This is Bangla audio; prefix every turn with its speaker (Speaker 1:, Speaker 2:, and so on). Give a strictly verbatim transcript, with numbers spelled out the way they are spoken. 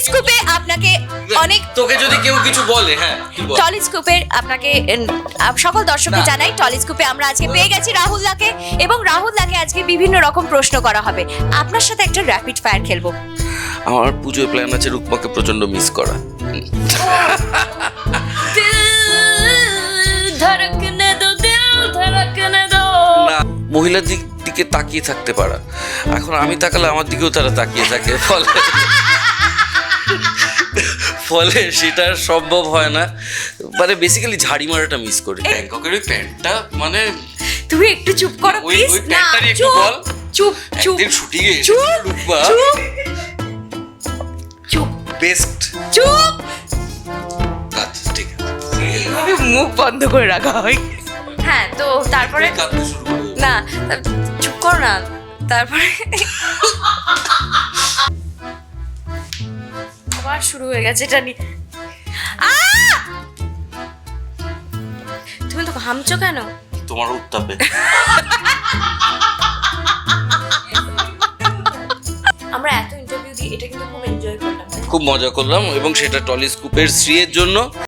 Speaker 1: টলিস্কোপে আপনাকে অনেক
Speaker 2: তোকে যদি কেউ কিছু বলে, হ্যাঁ তুই বল।
Speaker 1: টলিস্কোপের আপনাকে উম, আপ- সকল দর্শককে
Speaker 2: না।
Speaker 1: জানাই টলিস্কোপে আমরা আজকে পেয়ে গেছি রাহুল দাকে এবং রাহুল দাকে আজকে বিভিন্ন রকম প্রশ্ন করা হবে। আপনার সাথে একটা র্যাপিড ফায়ার খেলবো।
Speaker 2: আমার পুজোয় প্ল্যান আছে রূপমাকে প্রচন্ড মিস করা।
Speaker 1: ধড়কনে দো দিল ধড়কনে দো।
Speaker 2: না, মহিলার দিক দিকে তাকিয়ে থাকতে পারা, এখন আমি তাকালে আমার দিকেও তারা তাকিয়ে থাকে, ফলে ফলে সেটা সম্ভব হয় না। মানে বেসিক্যালি ঝাড়ি মারাটা মিস করি। ব্যাংককের ওই প্যান্টটা, মানে
Speaker 1: তুমি একটু চুপ করো
Speaker 2: ওই
Speaker 1: প্লিজ।
Speaker 2: ওই
Speaker 1: না
Speaker 2: প্যান্টটারই একটু
Speaker 1: চুপ
Speaker 2: বল।
Speaker 1: চুপ চুপ
Speaker 2: একদিন শুটিংয়ে
Speaker 1: চুপ
Speaker 2: এসেছিল রূপমা,
Speaker 1: চুপ চুপ
Speaker 2: বেস্ট।
Speaker 1: চুপ।
Speaker 2: আচ্ছা ঠিক আছে,
Speaker 1: এইভাবে মুখ বন্ধ করে রাখা হয়। হ্যাঁ, তো তারপরে
Speaker 2: তুই কাঁদতে শুরু করে।
Speaker 1: না চুপ করো না। তারপরে আবার শুরু হয়ে গেছে এটা নিয়ে। আহ! তুমি তো ঘামছো কেন?
Speaker 2: তোমার উত্তাপে।
Speaker 1: আমরা এত ইন্টারভিউ দিই, এটা কিন্তু খুব এনজয় করলাম।
Speaker 2: খুব মজা করলাম এবং সেটা টলিস্কোপের শ্রীয়ের জন্য।